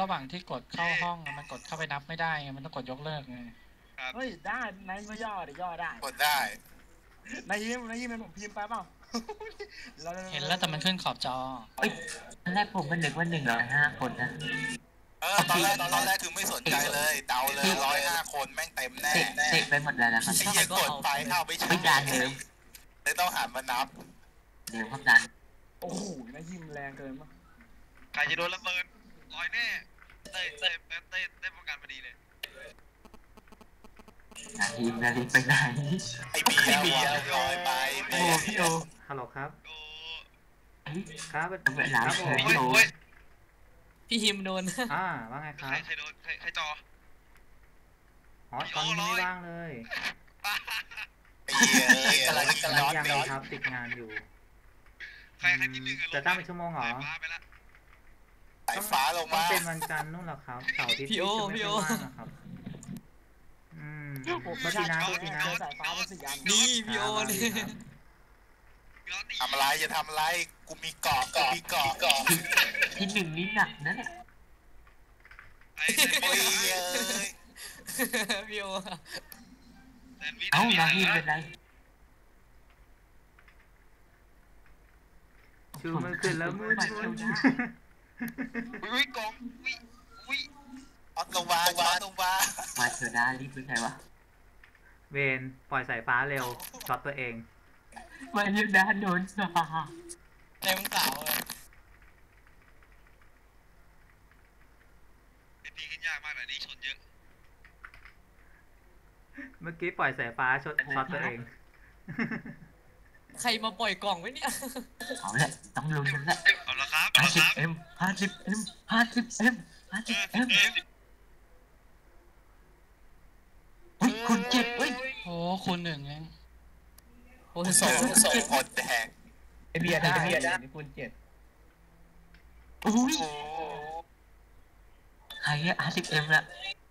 ระหว่างที่กดเข้าห้องมันกดเข้าไปนับไม่ได้ไงมันต้องกดยกเลิกไงเฮ้ยได้นายก็ย่อดิย่อได้กดได้นายยิ้มเป็นผมพิมพ์ไปเปล่าเห็นแล้วแต่มันขึ้นขอบจอเฮ้ยตอนแรกผมก็นึกว่า105 คนนะตอนแรกคือไม่สนใจเลยเดาเลย105 คนแม่งเต็มแน่เสกไปหมดแล้วนะครับไอ้เหี้ยกดไปเข้าไม่ใช่ไม่ดันเลยต้องหันมานับเดี๋ยวครับดันโอ้โหนายยิ้มแรงเกินมั้งใครจะโดนระเบิดลอยแน่เต้ป้องกันพอดีเลยนาทีไปไหนไอเบียร์ลอยไปโอ้พี่โอฮัลโหลครับครับเวลาเชิญโอพี่ฮิมโดนว่าไงครับใครโดนใครจอตอนนี้ไม่ว่างเลยยังครับติดงานอยู่ใครที่หนึ่งจะตั้งเป็นชั่วโมงเหรอสายฟ้าลงมาเป็นวันจันทร์นู่นหรอครับเสาร์อาทิตย์ที่ไม่ว่างนะครับมาทีนะสายฟ้าเป็นสีอันนี่พี่โอนี่ทำอะไรจะทำอะไรกูมีเกาะที่หนึ่งนี่หนักนะเนี่ยพี่โอเอ้านาทีเป็นไรชูมือขึ้นแล้วมือวิ่งกองวิ่งลงมามาเถอะนะรีบเป็นไงวะเวนปล่อยสายฟ้าเร็วช็อตตัวเองมาเยอะนะโดนสาเต็มเสาเลยพี่ขึ้นยากมากเลยนี่ชนเยอะเมื่อกี้ปล่อยสายฟ้าช็อตตัวเองใครมาปล่อยกล่องไว้เนี่ยเอาแหละต้องลุ้นกันแหละเอาละครับ 50M คุณ7เฮ้ยโอ้คุณ1เองคุณ 2กดแดงเบียร์ได้คุณ7 อุ้ยใคร50M ละ